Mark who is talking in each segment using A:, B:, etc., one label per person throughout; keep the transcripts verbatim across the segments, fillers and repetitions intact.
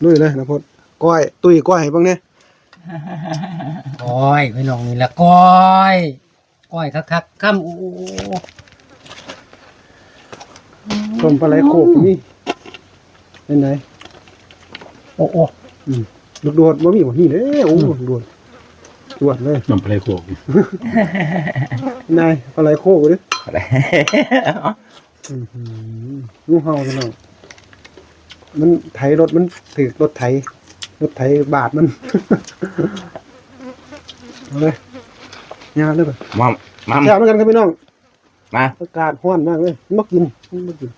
A: ลุยเลยนะพดก้อยตุ้ยก้อยให้บ้างเนี่ย
B: ก้อยพี่น้องนี่ละก้อยก้อยคักๆค่ำโอ้
A: ต้มปลาไหลโขกนี่เป็นไง
B: โอ้โอ้
A: อืมลูกโดดบ่มีบ่นี่เด้โอ้ลูกโดดจวดเลย
C: น้ำปลาโขก
A: นายปลาไหลโขกดิ
D: อะไร
A: อือหืองูเห่าพี่น้องมันไถรถมันถือรถไถรถไถบาดมัน เอาเลยยาวเลยป่ะ
D: มัมมัม
A: แซ่บเหมือนกันครับพี่น้อง
D: มา
A: อากาศร้อนมากเลยมันบ่กินมันบ่กิน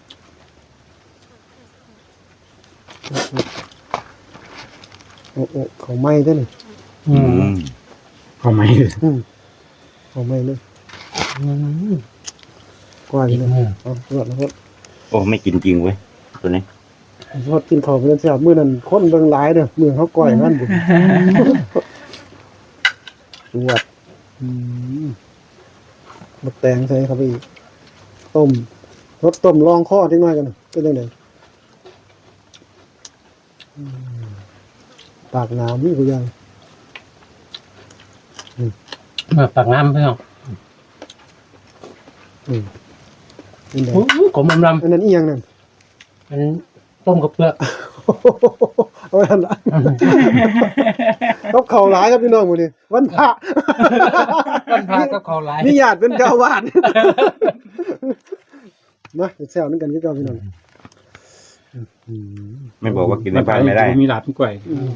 A: โอ้โอ้เขาไหม้ได้เลย
B: อืม
C: เอาไหม
A: อืมเขาไหม้เลย
B: อืม
A: กว่า
B: อี
A: อยู่
B: ก
A: เลย
B: มือ
A: เอารวดแล้วรวด
D: โอ้ไม่กินจริงเว้ยตัวนี้
A: รวดกินข้าวเพื่อนแซ่บมื้อนั้นคนเบิ่งหลายเด้อมื้อเขาก้อยนั่นบุญรวดอืมมดแตงใส่ครับพี่ต้มรสต้มลองข้อทิ้งน้อยกันน่ะเป็นจังไดอืมปากน้ำนี่กูยัง
B: มาปากน้ำพี่น้อง
A: อืมเป็นไง
B: โอ้ขมอำล
A: อันนั้นอีหยังนั่น
B: ำมันต้มกับเปลือก
A: เอาไว้ทันละต้องเข่าหลายครับพี่น้องหมื้อนี้วันพระ
B: มันพากับเขาหลาย
A: นี่ญาติเป็นเจ้าอาวาสมาแซวนึงกันพี่เจ้าพี่น้องอืม
D: ไม่บอกว่ากินในบ้านไม่ได้
C: มีหลาบมีกล้วย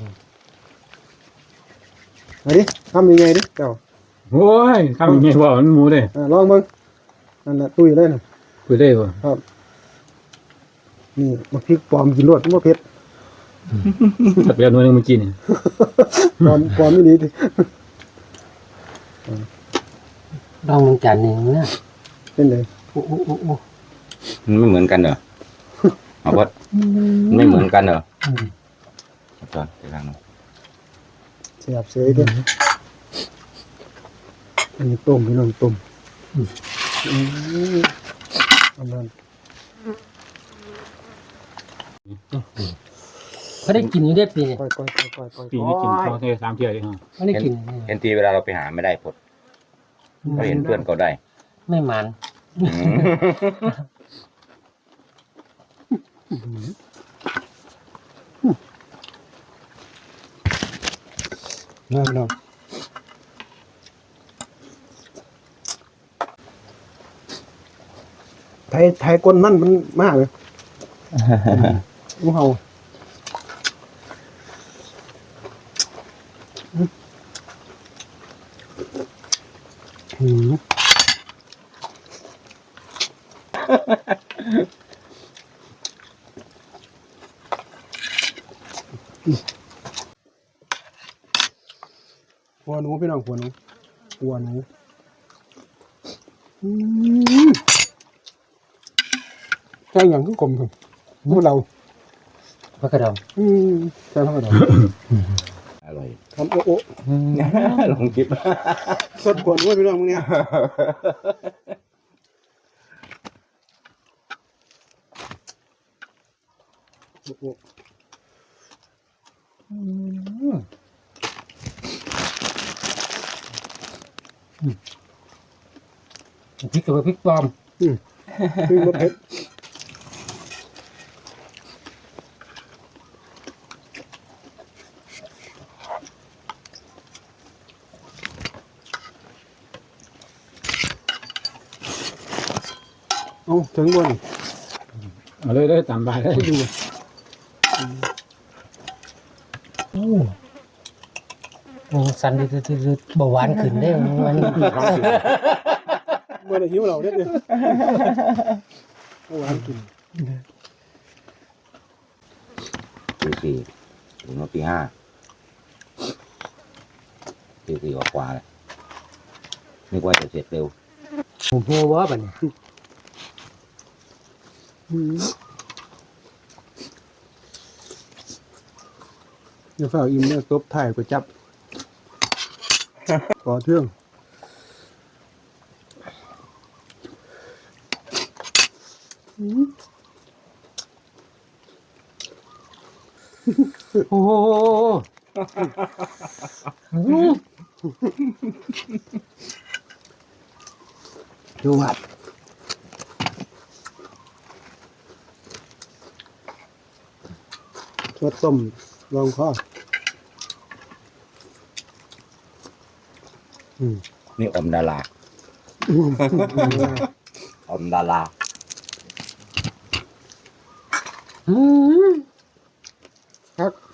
A: มาดิทำยังไงดิเจ้า
C: โอ้ยทำยังไงวะมันหมูเลย
A: อ่าลองเบิ่งนั่นแหละตุ้ยเลยน่ะ
C: คุยได้ป่ะ
A: ครับนี่มาพริกปลอมกินรวดบ่เผ็ด
C: ตัดไปเอาหน่วยหนึงมากินเนี่ย
A: ปลอมปลอมไม่ดีดิ
B: ลองมึงจานหนึ่งนะ
A: เป็นไง
B: โอ้โอ้โอ้โอ้
D: มันไม่เหมือนกันเหรอเอาวัดมันไม่เหมือนกันเหรอ
B: อืม
D: จอนไปทางนู้น
A: เสียบเสยเด้ออันนี้ต้มพี่น้องต้มอืมอันนั้น
B: เขาได้กินอยู่ได้ปีเนี่ย
A: ก้อยก้อยก้อยก้อยก้อย
C: ปีนี้กินข้าวเทสามเที่ยวเลยฮะ
B: เขาได้
D: เห็น
B: กิน
D: เห็นทีเวลาเราไปหาไม่ได้พดเราเห็นเพื่อนเขาได้
B: ไม่มัน
D: อืม
A: น้ำน้ำไทยไทยก้นมันมันมากเลยงูเห่าอืมหัวหนูพี่น้องหัวหนูหัวหนูอืมใช่อย่างก็กลมถึงพวกเรา
B: พระกระดอง
A: อืมใช่พวกเรา
D: อร่อย
A: ทำโอ้โอ้
D: ลองกิน
A: สดกว่าด้วยพี่น้องมึงเนี่ยโอ้โอ้อืม
B: พริกกับพริกปลอม
A: คือรสเผ็ดเอาถึงบน
C: เอาเลยเลยตามบายเลย
A: ดู
B: โอ้มึงสันดืดๆๆเบาหวานขึ้นได้มัน
A: เมื่อไหร่หิวเราเนี่ยเดียวเอาหวานกิน
D: ตีสี่ถึงมาตีห้าตีสี่กว่าๆเลยนึกว่าจะเสร็จเร็ว
B: ผมหัววะบัดนี้
A: อืมเดี๋ยวฝ้าอิ่มเนี่ยตบถ่ายก๋วยจับก่อเทื่องอืม
B: โอ้โหอืม
A: ดูวัดรสต้มลองข้ออืม
D: นี่อมดารา
A: อืม
D: อมดารา
B: อืม
A: ครับ